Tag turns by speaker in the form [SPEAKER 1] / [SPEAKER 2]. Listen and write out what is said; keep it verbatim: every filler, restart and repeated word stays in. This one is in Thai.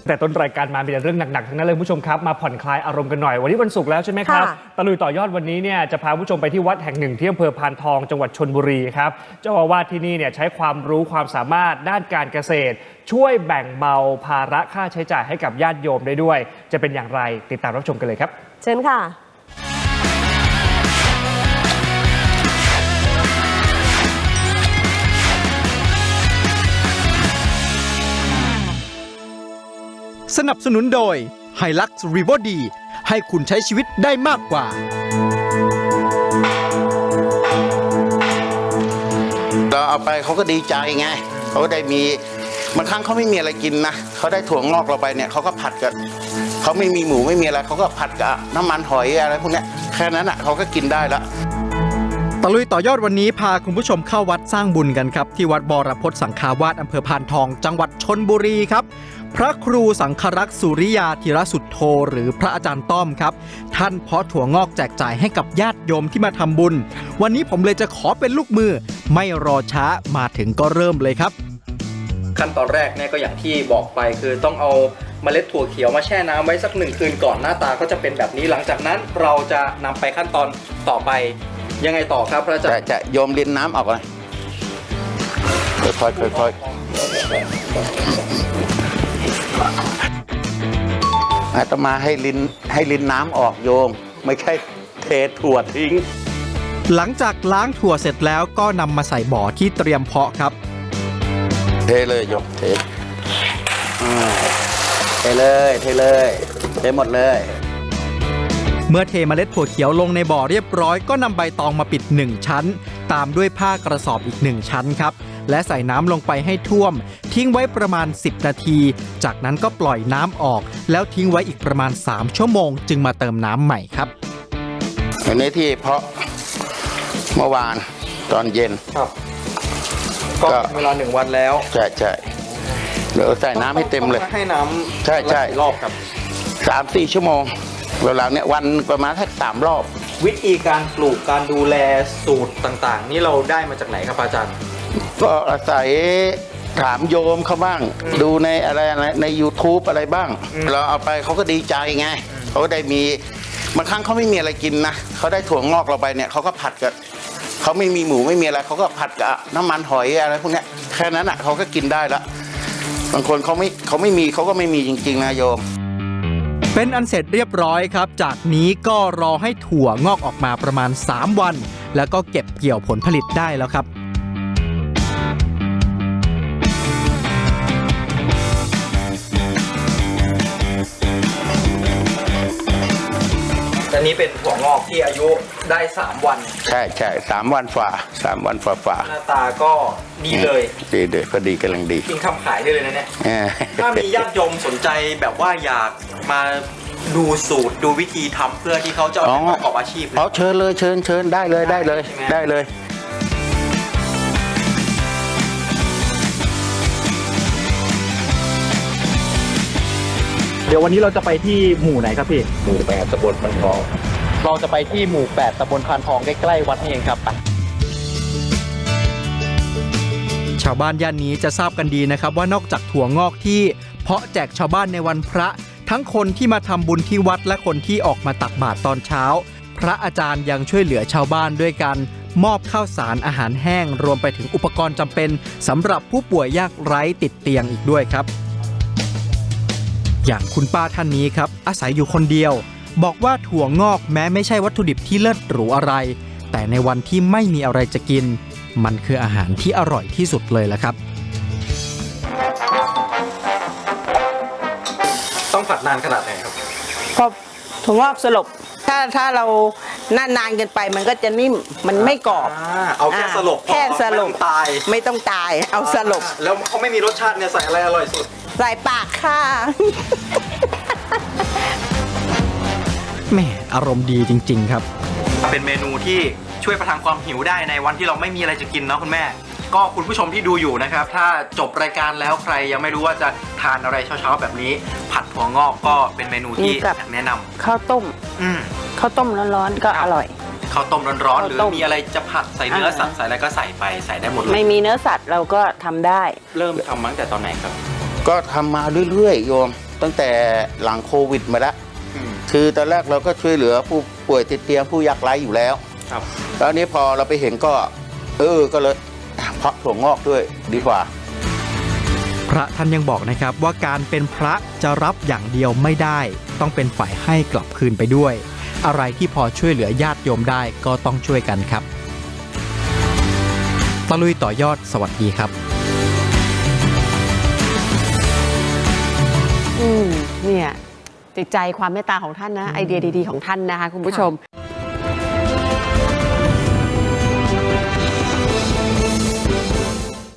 [SPEAKER 1] แต่ต้นรายการมามีแต่เรื่องหนักๆทั้งนั้นเลยผู้ชมครับมาผ่อนคลายอารมณ์กันหน่อยวันนี้วันศุกร์แล้วใช่ไหมครับตะลุยต่อยอดวันนี้เนี่ยจะพาผู้ชมไปที่วัดแห่งหนึ่งที่อำเภอพานทองจังหวัดชลบุรีครับเจ้าอาวาสที่นี่เนี่ยใช้ความรู้ความสามารถด้านการเกษตรช่วยแบ่งเบาภาระค่าใช้จ่ายให้กับญาติโยมได้ด้วยจะเป็นอย่างไรติดตามรับชมกันเลยครับ
[SPEAKER 2] เชิญค่ะ
[SPEAKER 3] สนับสนุนโดย Hilux Revo D ให้คุณใช้ชีวิตได้มากกว่า
[SPEAKER 4] เราเอาไปเขาก็ดีใจไงเขาได้มีบางครั้งเขาไม่มีอะไรกินนะเขาได้ถั่วงอกเราไปเนี่ยเขาก็ผัดกับเขาไม่มีหมูไม่มีอะไรเขาก็ผัดกับน้ำมันหอยอะไรพวกนี้แค่นั้นอ่ะเขาก็กินได้ละ
[SPEAKER 3] ตะลุยต่อยอดวันนี้พาคุณผู้ชมเข้าวัดสร้างบุญกันครับที่วัดบรพตสังฆาวาสอำเภอพานทองจังหวัดชลบุรีครับพระครูสังฆรักษ์สุริยาธีรสุทโธหรือพระอาจารย์ต้อมครับท่านเพาะถั่วงอกแจกจ่ายให้กับญาติโยมที่มาทำบุญวันนี้ผมเลยจะขอเป็นลูกมือไม่รอช้ามาถึงก็เริ่มเลยครับ
[SPEAKER 5] ขั้นตอนแรกเนี่ยก็อย่างที่บอกไปคือต้องเอาเมล็ดถั่วเขียวมาแช่น้ำไว้สักหนึ่งคืนก่อนหน้าตาก็จะเป็นแบบนี้หลังจากนั้นเราจะนำไปขั้นตอนต่อไปยังไงต่อครับพระอาจารย์
[SPEAKER 4] จะโยมลินน้ำออกเลยค่อยๆค่อยๆอาตมาให้ลินให้ลินน้ำออกโยมไม่ใช่เทถั่วทิ้ง
[SPEAKER 3] หลังจากล้างถั่วเสร็จแล้วก็นำมาใส่บ่อที่เตรียมเพาะครับ
[SPEAKER 4] เทเลยโยมเทเทเลยเทเลยเทหมดเลย
[SPEAKER 3] เมื่อเทเมล็ดถั่วเขียวลงในบ่อเรียบร้อยก็นำใบตองมาปิดหนึ่งชั้นตามด้วยผ้ากระสอบอีกหนึ่งชั้นครับและใส่น้ำลงไปให้ท่วมทิ้งไว้ประมาณสิบนาทีจากนั้นก็ปล่อยน้ำออกแล้วทิ้งไว้อีกประมาณสามชั่วโมงจึงมาเติมน้ำใหม่ครับ
[SPEAKER 4] อันนี้ที่เพาะเมื่อวานตอนเย็น
[SPEAKER 5] ครับก็เวลาหนึ่งวันแล้ว
[SPEAKER 4] ใช่ใช่เดี๋ยวใส่น้ำให้เต็มเลย
[SPEAKER 5] ให้น้ำ
[SPEAKER 4] ใช่ใช่
[SPEAKER 5] รอบครับ
[SPEAKER 4] สามสี่ชั่วโมงเวลาเนี้ยวันประมาณแค่สามรอบ
[SPEAKER 5] วิธีการปลูกการดูแลสูตรต่างๆนี่เราได้มาจากไหนครับอาจารย์
[SPEAKER 4] ก็อาศัยถามโยมเขาบ้างดูในอะไรอะไรใน ยูทูบ อะไรบ้างเราเอาไปเขาก็ดีใจไงเขาได้มีบางครั้งเขาไม่มีอะไรกินนะเขาได้ถั่วงอกเราไปเนี่ยเขาก็ผัดกับเขาไม่มีหมูไม่มีอะไรเขาก็ผัดกับน้ำมันหอยอะไรพวกนี้แค่นั้นอ่ะเขาก็กินได้ละบางคนเขาไม่เขาไม่มีเขาก็ไม่มีจริงๆนะโยม
[SPEAKER 3] เป็นอันเสร็จเรียบร้อยครับจากนี้ก็รอให้ถั่วงอกออกมาประมาณสามวันแล้วก็เก็บเกี่ยวผลผลิตได้แล้วครับ
[SPEAKER 5] อันนี้เป็นถั่วงอกที่อายุได้สามวัน
[SPEAKER 4] ใช่ใช่สามวันฝ่าสามวันฝ่าฝ่า
[SPEAKER 5] หน้าตาก็ดีเลย
[SPEAKER 4] ดีเลยพอดีกำลังดี
[SPEAKER 5] กินคำขายได้เลยนะเนี่ยถ้ามีญาติโยมสนใจแบบว่าอยากมาดูสูตรดูวิธีทำเพื่อที่เขาจะประกอบอาชีพ
[SPEAKER 4] เอาเชิญเลยเชิญเชิญได้เลยได้เลยได้เลย
[SPEAKER 1] เดี๋ยววันนี้เราจะไปที่หมู่ไหนครับพี่
[SPEAKER 4] หมู่แปดตำบลพานทอง
[SPEAKER 1] เราจะไปที่หมู่แปดตำบลพานทองใกล้ๆวัดนี่เองครับ
[SPEAKER 3] ชาวบ้านย่านนี้จะทราบกันดีนะครับว่านอกจากถั่วงอกที่เพาะแจกชาวบ้านในวันพระทั้งคนที่มาทำบุญที่วัดและคนที่ออกมาตักบาตรตอนเช้าพระอาจารย์ยังช่วยเหลือชาวบ้านด้วยการมอบข้าวสารอาหารแห้งรวมไปถึงอุปกรณ์จำเป็นสำหรับผู้ป่วยยากไร้ติดเตียงอีกด้วยครับอย่างคุณป้าท่านนี้ครับอาศัยอยู่คนเดียวบอกว่าถั่วงอกแม้ไม่ใช่วัตถุดิบที่เลิศหรูอะไรแต่ในวันที่ไม่มีอะไรจะกินมันคืออาหารที่อร่อยที่สุดเลยละครับ
[SPEAKER 5] ต้องผัดนานขนาดไหนครับ
[SPEAKER 2] พอถั่วงอกสลบถ้าถ้าเรานานนานเกินไปมันก็จะนิ่มมันไม่กรอบ
[SPEAKER 5] เอาแค่สลบ
[SPEAKER 2] แค่สลบ
[SPEAKER 5] ตาย
[SPEAKER 2] ไม่ต้องตายเอาสลบ
[SPEAKER 5] แล้วเขาไม่มีรสชาติเนี่ยใส่อะไรอร่อยสุด
[SPEAKER 2] ใส่ปากค่ะ
[SPEAKER 3] แม่อารมณ์ดีจริงๆครับ
[SPEAKER 5] เป็นเมนูที่ช่วยประทังความหิวได้ในวันที่เราไม่มีอะไรจะกินเนาะคุณแม่ก็คุณผู้ชมที่ดูอยู่นะครับถ้าจบรายการแล้วใครยังไม่รู้ว่าจะทานอะไรเช้าๆแบบนี้ผัดถั่วงอกก็เป็นเมนูที่แนะนำ
[SPEAKER 2] ข้าวต้มข้าวต้มร้อนๆก็อร่อย
[SPEAKER 5] ข้าวต้มร้อนๆหรือมีอะไรจะผัดใส่เนื้อสัตว์ใส่อะไรก็ใส่ไปใส่ได้หมดเลย
[SPEAKER 2] ไม่มีเนื้อสัตว์เราก็ทำได้
[SPEAKER 5] เริ่มทำมาตั้งแต่ตอนไหนครับ
[SPEAKER 4] ก็ทำมาเรื่อยๆโยมตั้งแต่หลังโควิดมาแล้วคือตอนแรกเราก็ช่วยเหลือผู้ป่วยติดเตียงผู้ยากไร้อยู่แล้ว
[SPEAKER 1] ครับ
[SPEAKER 4] แล้วนี้พอเราไปเห็นก็ เออก็เลยเพาะถั่วงอกด้วยดีกว่า
[SPEAKER 3] พระท่านยังบอกนะครับว่าการเป็นพระจะรับอย่างเดียวไม่ได้ ต้องเป็นฝ่ายให้กลับคืนไปด้วย อะไรที่พอช่วยเหลือญาติโยมได้ก็ต้องช่วยกันครับตะลุยต่อยอดสวัสดีครับ
[SPEAKER 6] อืมเนี่ยติดใจความเมตตาของท่านนะ ไอเดียดีๆของท่านนะคะคุณผู้ชม